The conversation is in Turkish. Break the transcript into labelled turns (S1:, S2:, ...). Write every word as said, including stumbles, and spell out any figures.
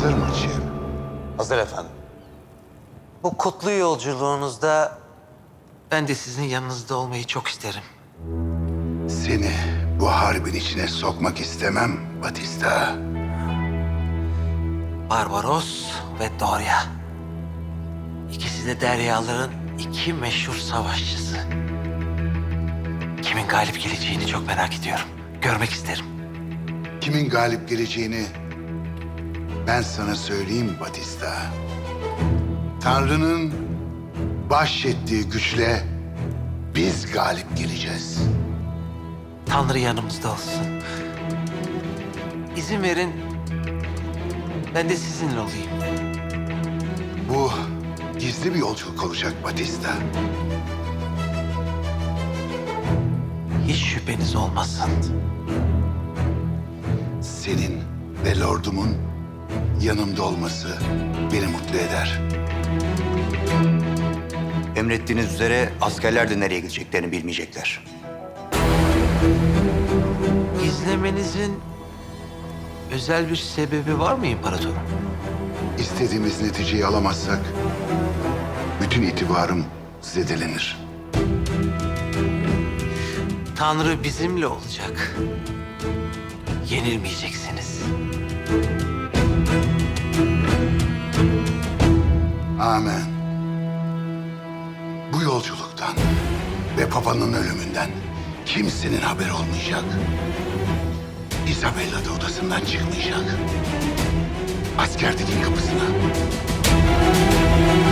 S1: Hazır mı Çin?
S2: Hazır efendim. Bu kutlu yolculuğunuzda ben de sizin yanınızda olmayı çok isterim.
S1: Seni bu harbin içine sokmak istemem Batista.
S2: Barbaros ve Doria. İkisi de deryaların iki meşhur savaşçısı. Kimin galip geleceğini çok merak ediyorum. Görmek isterim.
S1: Kimin galip geleceğini ben sana söyleyeyim Batista. Tanrı'nın bahşettiği güçle biz galip geleceğiz.
S2: Tanrı yanımızda olsun. İzin verin, ben de sizinle olayım.
S1: Bu gizli bir yolculuk olacak Batista.
S2: Hiç şüpheniz olmasın.
S1: Senin ve lordumun yanımda olması beni mutlu eder.
S3: Emrettiğiniz üzere askerler de nereye gideceklerini bilmeyecekler.
S2: İzlemenizin özel bir sebebi var mı İmparatorum?
S1: İstediğimiz neticeyi alamazsak bütün itibarım zedelenir.
S2: Tanrı bizimle olacak. Yenilmeyeceksiniz.
S1: Amen. Bu yolculuktan ve Papa'nın ölümünden kimsenin haberi olmayacak. Isabella da odasından çıkmayacak. Askerliğin kapısına.